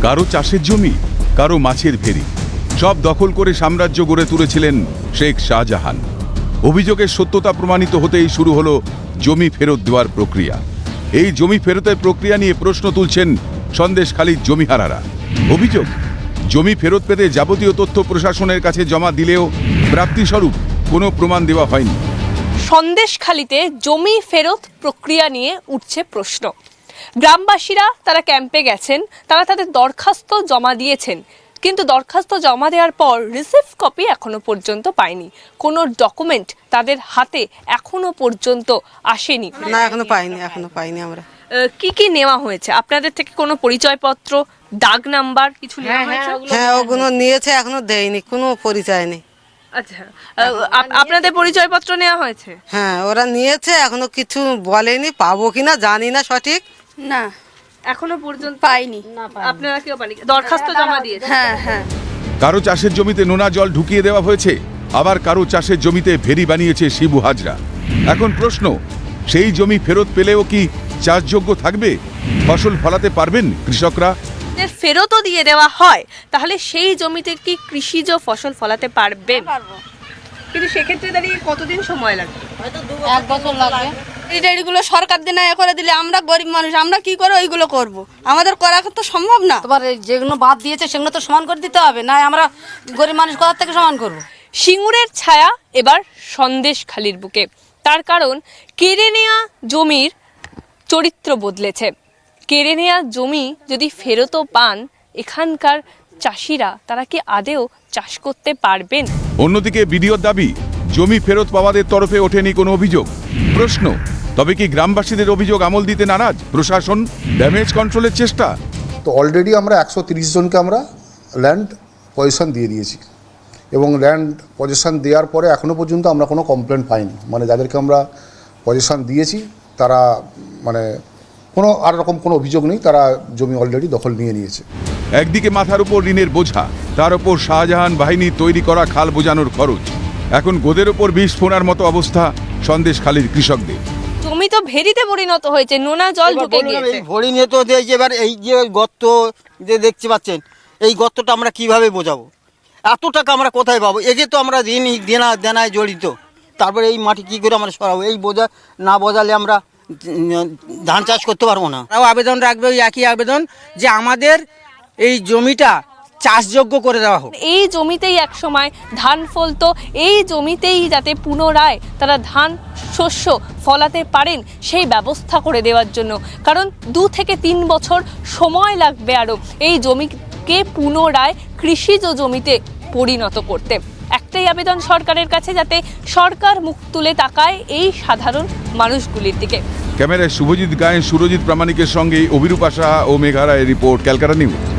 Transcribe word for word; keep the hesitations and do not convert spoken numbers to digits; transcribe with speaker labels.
Speaker 1: কারো চাষের জমি, কারো মাছের ভেরি, সব দখল করে সাম্রাজ্য গড়ে তুলেছিলেন শেখ শাহজাহান। অভিযোগের সত্যতা প্রমাণিত হতেই শুরু হলো জমি ফেরত দেওয়ার প্রক্রিয়া। এই জমি ফেরতের প্রক্রিয়া নিয়ে প্রশ্ন তুলছেন সন্দেশখালীর জমিহারারা। অভিযোগ, জমি ফেরত পেতে যাবতীয় তথ্য প্রশাসনের কাছে জমা দিলেও প্রাপ্তিস্বরূপ কোনো প্রমাণ দেওয়া হয়নি।
Speaker 2: সন্দেশখালীতে জমি ফেরত প্রক্রিয়া নিয়ে উঠছে প্রশ্ন। গ্রামবাসীরা তারা ক্যাম্পে গেছেন, তারা তাদের দরখাস্ত জমা দিয়েছেন, কিন্তু দরখাস্ত জমা দেওয়ার পর রিসিভ কপি এখনো পর্যন্ত পায়নি। কোনো ডকুমেন্ট তাদের হাতে এখনো পর্যন্ত আসেনি।
Speaker 3: না, এখনো পাইনি, এখনো পাইনি আমরা।
Speaker 2: কি কি নেওয়া হয়েছে আপনাদের থেকে? কোনো পরিচয়পত্র, দাগ নাম্বার কিছু নেওয়া হয়েছে?
Speaker 3: হ্যাঁ, ওগুলো নিয়েছে, এখনো দেয়নি, কোনো পরিচয় নেই।
Speaker 2: আচ্ছা, আপনাদের পরিচয়পত্র নেওয়া হয়েছে?
Speaker 3: হ্যাঁ, ওরা নিয়েছে, এখনো কিছু বলেনি, পাবো কিনা জানি না সঠিক।
Speaker 4: না,
Speaker 2: এখনো পর্যন্ত
Speaker 4: পাইনি।
Speaker 2: আপনারা কেউ পাননি? দরখাস্ত জমা দিয়েছে?
Speaker 4: হ্যাঁ হ্যাঁ।
Speaker 1: কারো চাষের জমিতে নোনা জল ঢুকিয়ে দেওয়া হয়েছে, আবার কারো চাষের জমিতে ভেরি বানিয়েছে শিবু হাজরা। এখন প্রশ্ন, সেই জমি ফেরত পেলেও কি চাষযোগ্য থাকবে? ফসল ফলাতে পারবেন কৃষকরা?
Speaker 2: ফেরতও দিয়ে দেওয়া হয়, তাহলে সেই জমিতে কি কৃষিজ ফসল ফলাতে পারবেন? কিন্তু সেক্ষেত্রে দাঁড়িয়ে কতদিন সময় লাগবে?
Speaker 4: এক বছর লাগবে। এইগুলো সরকার দিনে এ করে দিলে আমরা গরিব মানুষ, আমরা কি করে ওইগুলো করব? আমাদের করা তো সম্ভব না।
Speaker 5: তোমার যেগুলো বাদ দিয়েছে সেগুলো তো সমান করে দিতে হবে, না আমরা গরিব মানুষ কোথা থেকে সমান করব?
Speaker 2: সিঙ্গুরের ছায়া এবার সন্দেশখালীর বুকে। তার কারণ, কেড়ে নেওয়া জমির চরিত্র বদলেছে। কেড়ে নেওয়া জমি যদি ফেরতও পান, এখানকার চাষিরা তারা কি আদেও চাষ করতে পারবেন?
Speaker 1: অন্যদিকে বিডিওর দাবি, জমি ফেরত পাওয়াদের তরফে ওঠেনি কোনো অভিযোগ। প্রশ্ন, তবে কি গ্রামবাসীদের অভিযোগ আমল দিতে নারাজ প্রশাসন? ড্যামেজ কন্ট্রোলের চেষ্টা?
Speaker 6: তো অলরেডি আমরা একশো তিরিশ জনকে আমরা ল্যান্ড পজিশন দিয়ে দিয়েছি, এবং ল্যান্ড পজিশন দেওয়ার পরে এখনও পর্যন্ত আমরা কোনো কমপ্লেন পাইনি। মানে যাদেরকে আমরা পজিশন দিয়েছি তারা মানে কোনো আর রকম কোনো অভিযোগ নেই, তারা জমি অলরেডি দখল নিয়ে নিয়েছে।
Speaker 1: একদিকে মাথার উপর ঋণের বোঝা, তার উপর শাহজাহান বাহিনী তৈরি করা খাল বোঝানোর খরচ। এখন গোদের ওপর বিষ ফোনার মতো অবস্থা সন্দেশখালীর কৃষকদের।
Speaker 2: জমি তো ভেরিতে পরিণত হয়েছে, নোনা জল ঢুকে গিয়েছে।
Speaker 7: ভরি নিয়ে তো এবার এই যে গর্ত যে দেখতে পাচ্ছেন, এই গর্তটা আমরা কিভাবে বোঝাবো? এত টাকা আমরা কোথায় পাবো? একে তো আমরা ঋণ দেনা দেনায় জড়িত, তারপরে এই মাটি কি করে আমরা সরাবো? এই বোঝা না বোঝালে আমরা ধান চাষ করতে পারবো না।
Speaker 8: তাও আবেদন রাখবে ওই একই আবেদন, যে আমাদের এই জমিটা চাষযোগ্য করে দেওয়া হোক।
Speaker 2: এই জমিতেই এক সময় ধান ফলতো, এই জমিতেই যাতে পুনরায় তারা ধান শস্য ফলাতে পারেন সেই ব্যবস্থা করে দেওয়ার জন্য। কারণ দু থেকে তিন বছর সময় লাগবে আরও এই জমিকে পুনরায় কৃষিজ জমিতে পরিণত করতে। একটাই আবেদন সরকারের কাছে, যাতে সরকার মুখ তুলে তাকায় এই সাধারণ মানুষগুলির দিকে।
Speaker 1: ক্যামেরায় শুভজিৎ গায়েন, সুরজিৎ প্রামাণিকের সঙ্গে অভিরূপা সাহা ও মেঘা রায়ের রিপোর্ট, ক্যালকাটা নিউজ।